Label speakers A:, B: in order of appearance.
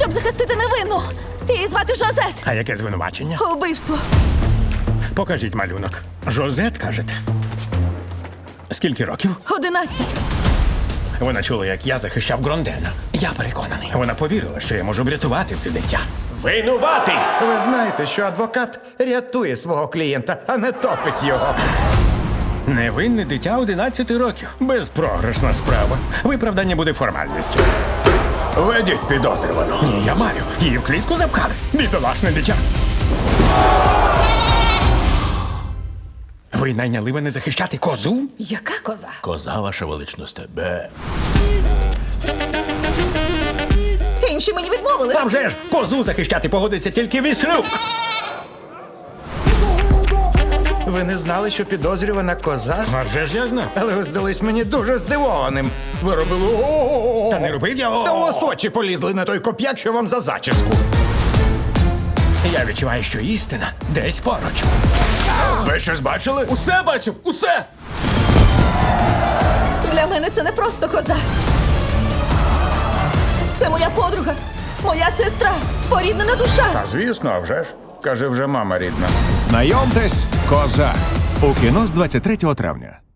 A: щоб захистити невинну. Її звати Жозет.
B: А яке звинувачення?
A: Убивство.
B: Покажіть малюнок. Жозет, кажете? Скільки років?
A: 11.
B: Вона чула, як я захищав Грондена. Я переконаний. Вона повірила, що я можу врятувати це дитя. Винуватий!
C: Ви знаєте, що адвокат рятує свого клієнта, а не топить його.
B: Невинне дитя 11 років. Безпрограшна справа. Виправдання буде формальністю. Ведіть підозрювану. Ні, я маю. Її в клітку запхали. Бідолашне дитя. Ви найняли мене захищати козу?
A: Яка коза?
B: Коза, ваша величність, тебе.
A: Інші мені відмовили.
B: А вже ж, козу захищати погодиться тільки Віслюк.
C: Ви не знали, що підозрювана коза?
B: А вже ж я знав.
C: Але ви здались мені дуже здивованим. Ви робили о-о-о.
B: Та не робив я
C: Та у вас очі полізли на той коп'як, що вам за зачіску.
B: Я відчуваю, що істина десь поруч. Ви щось бачили?
D: Усе бачив, усе!
A: Для мене це не просто коза. Це моя подруга, моя сестра, споріднена душа.
C: А звісно, а вже ж. Каже, вже мама рідна.
E: Знайомтесь, коза. У кіно з 23 травня.